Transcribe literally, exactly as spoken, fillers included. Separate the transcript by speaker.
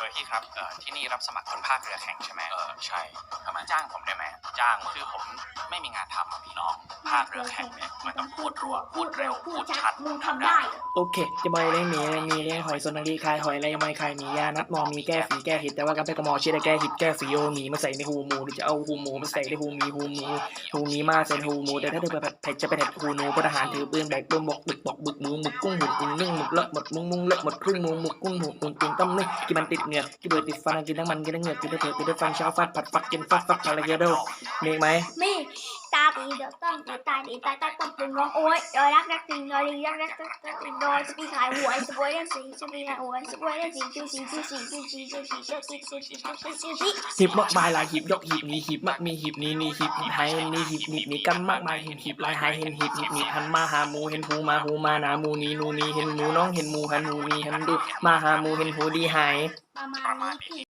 Speaker 1: อพี่ครับเอ่อที่นี่รับสมัครคนภาคเรือแข่งใช่ไหม
Speaker 2: เออใช่ทำไม
Speaker 1: จ้างผมได้ไหม
Speaker 2: จ้าง
Speaker 1: คือผมไม่มีงานทำอะพี่
Speaker 2: น้องภาคเรือแข่งเนี่ยมันต้องพูดรัวพูดเร็วพูดชัด
Speaker 3: มึงทำได้
Speaker 4: โอเคจะบอยเลี้ยงหมีเลี้ยงมีเลี้ยงหอยส่วนนังรีคายหอยอะไรไม่คายหมียานัดมอมีแก้ฝีแก้หิดแต่ว่ากันไปกระมอเชื่อได้แก้หิดแก้ฝีโอหมีมาใส่ในหูหมูหรือจะเอาหูหมูมาใส่ในหูหมีหูหมูหูหมีมาใส่หูหมูแต่ถ้าเธอแบบเผ็ดจะเป็นเผ็ดหูหนูพลทหารถือปืนแบกปืนบกบึกบอกบึกหมูหมึกกุ้งหุ่นกุ้งนึ่งหมึกเลอะหมดมุ้งมุ้งเลอะหมดครึ่งหมูหมึกกุ้งหุ่นหุ่นกินต้มนึ่งกินมันติดเหงือกกินเบื่อติดฟันกินทั้งมันกินทั้งเหงือกกินทั้งเผือกกินทั้งฟันเช้าฟาดผัดฟักกินฟักฟักอะไรเยอะด้วยมีไหม
Speaker 3: มีตาตีเดือดต้นตายตีตายตายต้นตึงร้องโอ้ยดอยรักรักติงดอยดีรักรักรักรักติงดอยสปีขายหวยสปวยได้สีสปีขายหวยสปวยได้สีจูสีจูสีจูสีจูสีจูสีจูสีจูสีจูสี
Speaker 4: หีบมากมายหลายหีบยกหีบนี้หีบมากมีหีบนี้นี่หีบหีบไฮนี่หีบหีบนี้กันมากมายเห็นหีบลายไฮเห็นหีบหีบนี้หันมาหาหมูเห็นหูมาหูมาหนาหมูนีนูนีเห็นหมูน้องเห็นหมูหันหมูนีหันดูมาหาหมูเห็นหูดีหาย
Speaker 3: ประมาณนี้พี่